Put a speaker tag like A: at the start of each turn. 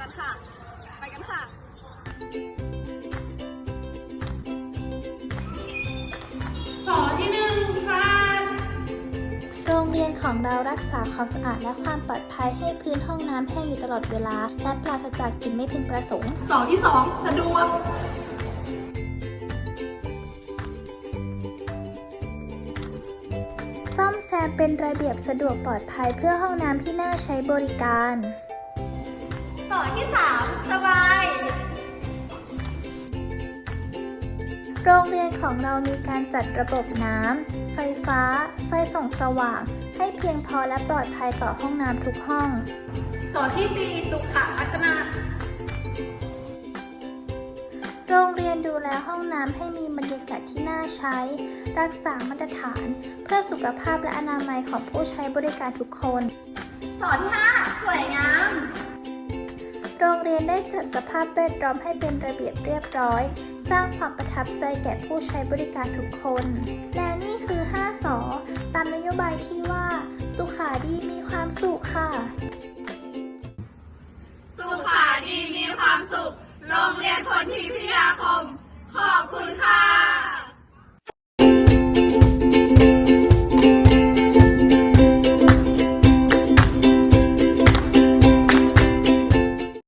A: กันค่ะ ไปกันค่ะ
B: สอที่1สะอาด
C: โรงเรียนของเรารักษาความสะอาดและความปลอดภัยให้พื้นห้องน้ำแห้งอยู่ตลอดเวลาและปราศจากกลิ่นไม่พึงประสงค์
B: สอที่2สะดวก
C: ซ่อมแซมเป็นระเบียบสะดวกปลอดภัยเพื่อห้องน้ำที่น่าใช้บริการ
B: สอที่3สบาย
C: โรงเรียนของเรามีการจัดระบบน้ำ ไฟฟ้า ไฟส่องสว่าง ให้เพียงพอและปลอดภัยต่อห้องน้ำทุกห้อง
B: สอที่4สุขลักษณะ
C: โรงเรียนดูแลห้องน้ำให้มีบรรยากาศที่น่าใช้ รักษามาตรฐาน เพื่อสุขภาพและอนามัยของผู้ใช้บริการทุกคน
A: สอที่5สวยงาม
C: โรงเรียนได้จัดสภาพแวดล้อมให้เป็นระเบียบเรียบร้อย สร้างความประทับใจแก่ผู้ใช้บริการทุกคน และนี่คือ5 สอ ตามนโยบายที่ว่า สุขาดีมีความสุขค่ะ